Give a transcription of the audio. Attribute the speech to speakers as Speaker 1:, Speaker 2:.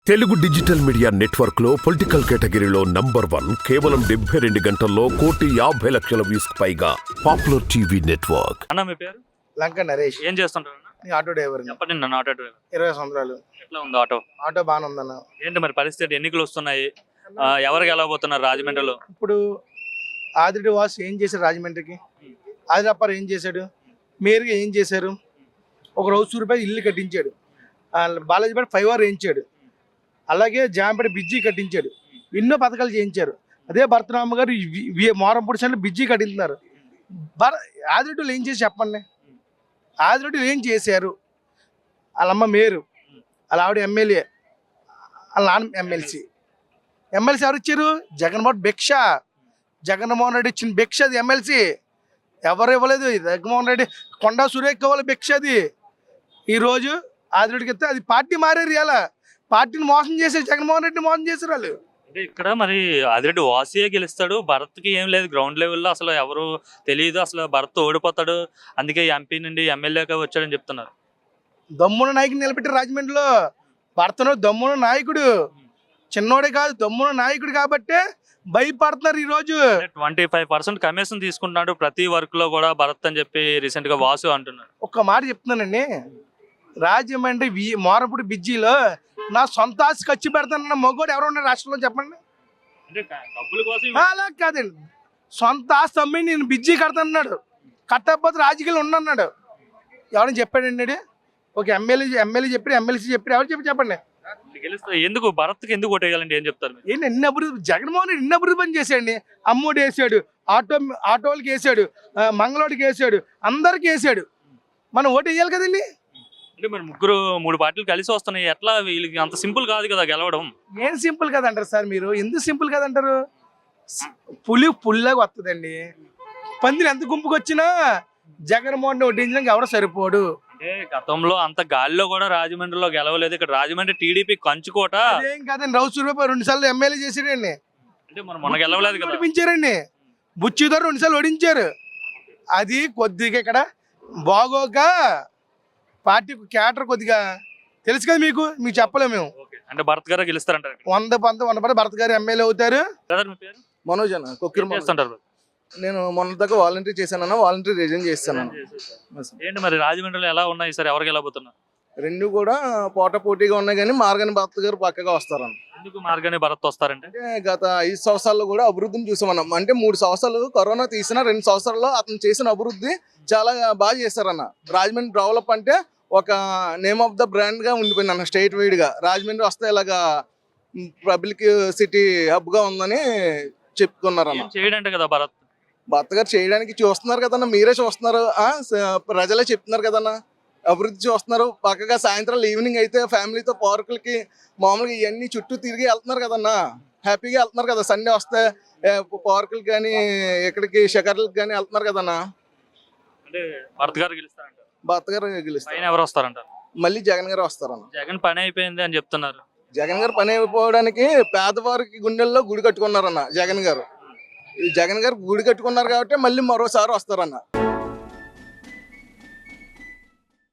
Speaker 1: Telugu digital media network లో political కేటగిరీలో number 1 కేవలం 72 గంటల్లో 1,50,00,000 వ్యూస్ పైగా పాపులర్ టీవీ నెట్వర్క్.
Speaker 2: అన్న మీ పేరు?
Speaker 3: లంక నరేష్.
Speaker 2: ఏం చేస్తుంటారు అన్న?
Speaker 3: నేను ఆటో డ్రైవర్.
Speaker 2: చెప్పండి నన్ను ఆటో డ్రైవర్.
Speaker 3: 20 సంవత్సరాలు.
Speaker 2: ఎట్లా ఉంది ఆటో?
Speaker 3: ఆటో బాగానే ఉందన్న.
Speaker 2: ఏంటి మరి పరిస్థితి, ఎన్నికలు వస్తున్నాయి, ఎవరు గెలవబోతున్నారు రాజమండ్రిలో?
Speaker 3: ఇప్పుడు ఆదిరెడ్డి వాసు ఏం చేశారు రాజమండ్రికి? ఆదిరప్పారు ఏం చేశాడు? మేయర్గా ఏం చేశారు? ఒక రూపాయలు ఇల్లు కట్టించాడు. బాలాజీపేట 5 అవర్ వేయించాడు. అలాగే జాంపేట బిజ్జీ కట్టించాడు. ఎన్నో పథకాలు చేయించారు. అదే భరతరామ గారు మోరంపూడి సైడ్లో బిజ్జీ కట్టిస్తున్నారు. ఆదిరెడ్డిలు ఏం చేసి చెప్పండి. ఆదిరెడ్డిలు ఏం చేశారు? వాళ్ళమ్మ మేరు, వాళ్ళ ఆవిడ ఎమ్మెల్యే, వాళ్ళ నాన్న ఎమ్మెల్సీ ఎవరు ఇచ్చారు? జగన్మోహన్ భిక్ష. జగన్మోహన్ రెడ్డి ఇచ్చిన భిక్ష అది. ఎమ్మెల్సీ ఎవరు ఇవ్వలేదు. జగన్మోహన్ రెడ్డి కొండా సురేఖ వాళ్ళ భిక్ష అది. ఈరోజు ఆదిరెడ్డికి ఇస్తే అది పార్టీ మారేరు. ఇలా పార్టీని మోసం చేశారు. జగన్మోహన్ రెడ్డి మోసం చేశారు వాళ్ళు.
Speaker 2: అంటే ఇక్కడ మరి ఆదిరెడ్డి వాసియే గెలుస్తాడు, భరత్కి ఏం లేదు. గ్రౌండ్ లెవెల్లో అసలు ఎవరు తెలియదు. అసలు భరత్ ఓడిపోతాడు, అందుకే ఎంపీ నుండి ఎమ్మెల్యేగా వచ్చాడని చెప్తున్నారు.
Speaker 3: దమ్మున నాయకుడు నిలబెట్టారు రాజమండ్రిలో. భరతను దమ్మున నాయకుడు, చిన్నోడే కాదు, దమ్మున నాయకుడు కాబట్టే భయపడుతున్నారు ఈరోజు.
Speaker 2: 25% కమిషన్ తీసుకుంటున్నాడు ప్రతి వర్క్ లో కూడా భరత్ అని చెప్పి రీసెంట్ గా వాసు అంటున్నాడు.
Speaker 3: ఒక్క మాట చెప్తున్నానండి, రాజమండ్రి మోరపూడి బిజ్జీలో నా సొంత ఆస్తి ఖర్చు పెడతానన్న మొగోడు ఎవరు ఉన్నారు రాష్ట్రంలో చెప్పండి? అలా కాదండి, సొంత ఆస్తి అమ్మి నేను బిజ్జీ కడతానన్నాడు. కట్టకపోతే రాజకీయాలు ఉండన్నాడు. ఎవరైనా చెప్పాడండి? ఒక ఎమ్మెల్యే చెప్పి, ఎమ్మెల్సీ చెప్పి, ఎవరు చెప్పండి.
Speaker 2: ఎందుకు భరత్కి ఎందుకు ఓటేయాలంటే ఏం చెప్తారు?
Speaker 3: ఏంటి ఎన్ని అభివృద్ధి, జగన్మోహన్ రెడ్డి ఎన్ని అభివృద్ధి పని చేశాడండి. అమ్మోడు వేసాడు, ఆటోలకి వేసాడు, మంగళోడికి వేసాడు, అందరికి వేసాడు. మనం ఓటు వేయాలి కదండి.
Speaker 2: అంటే మరి ముగ్గురు 3 పార్టీలు కలిసి వస్తున్నాయి, ఎట్లా వీళ్ళకి అంత సింపుల్ కాదు కదా గెలవడం?
Speaker 3: ఏం సింపుల్ కదంటారు సార్ మీరు? ఎందుకు సింపుల్ కదంటారు? పుల్లాగా వస్తుందండి. పందిని ఎంత గుంపుకు వచ్చినా జగన్మోహన్ వడ్డించడానికి ఎవడో సరిపోడు.
Speaker 2: అంటే గతంలో అంత గాలిలో కూడా రాజమండ్రిలో గెలవలేదు. ఇక్కడ రాజమండ్రి టీడీపీ కంచుకోట.
Speaker 3: అదేం కాదండి, రూపాయలు 2 సార్లు ఎమ్మెల్యే చేసాడండి.
Speaker 2: అంటే మన గెలవలేదు కదా,
Speaker 3: ఓడించారండి. బుచ్చితో 2 సార్లు ఓడించారు. అది కొద్దిగా ఇక్కడ బాగోక పార్టీ క్యాటర్ కొద్దిగా తెలుసు కదా మీకు చెప్పలేము మేము.
Speaker 2: అంటే భరత్ గారు గెలుస్తారంటారు?
Speaker 3: 100% భరత్ గారు ఎమ్మెల్యే అవుతారు.
Speaker 4: మనోజ్ అన్న
Speaker 2: చేస్తుంటారు.
Speaker 4: నేను మొన్న దాకా వాలంటీర్ చేశానన్న, వాలంటీర్ రిజైన్ చేస్తాను.
Speaker 2: ఏంటి మరి రాజమండ్రిలో ఎలా ఉన్నాయి సార్, ఎవరు గెలవబోతున్నారు?
Speaker 4: రెండు కూడా పోటాపోటీగా ఉన్నాయి, కానీ మార్గాని భరత్ గారు పక్కగా వస్తారన్న.
Speaker 2: ఎందుకు మార్గాని భరత్ వస్తారంటే?
Speaker 4: గత 5 సంవత్సరాల్లో కూడా అభివృద్ధిని చూసామన్నాం. అంటే 3 సంవత్సరాలు కరోనా తీసిన 2 సంవత్సరాల్లో అతను చేసిన అభివృద్ధి చాలా బాగా చేశారన్న. రాజమండ్రి డెవలప్ అంటే ఒక నేమ్ ఆఫ్ ద బ్రాండ్ గా ఉండిపోయింది అన్న. స్టేట్ వైడ్ గా రాజమండ్రి వస్తే ఇలాగా పబ్లిక్ సిటీ హబ్ గా ఉందని చెప్పుకున్నారన్న.
Speaker 2: చేయడంటే కదా
Speaker 4: భరత్ గారు చేయడానికి చూస్తున్నారు కదన్న, మీరే చూస్తున్నారు, ప్రజలే చెప్తున్నారు కదన్న. అభివృద్ధి చూస్తున్నారు. పక్కగా సాయంత్రం ఈవినింగ్ అయితే ఫ్యామిలీతో పార్కులకి మామూలుగా ఇవన్నీ చుట్టూ తిరిగి వెళ్తున్నారు కదన్నా. హ్యాపీగా వెళ్తున్నారు కదా. సండే వస్తే పార్కులకి కానీ ఎక్కడికి షికార్లకి కానీ వెళ్తున్నారు కదన్నా.
Speaker 2: భరత్ గారు గెలుస్తారంట.
Speaker 4: భరత్ గారు గెలుస్తారు.
Speaker 2: ఎవరు వస్తారంట?
Speaker 4: మళ్ళీ జగన్ గారు వస్తారన్న.
Speaker 2: జగన్ పని అయిపోయింది అని చెప్తున్నారు.
Speaker 4: జగన్ గారు పని అయిపోవడానికి పేదవారికి గుండెల్లో గుడి కట్టుకున్నారన్న జగన్ గారు. జగన్ గారు గుడి కట్టుకున్నారు కాబట్టి మళ్ళీ మరోసారి వస్తారన్న.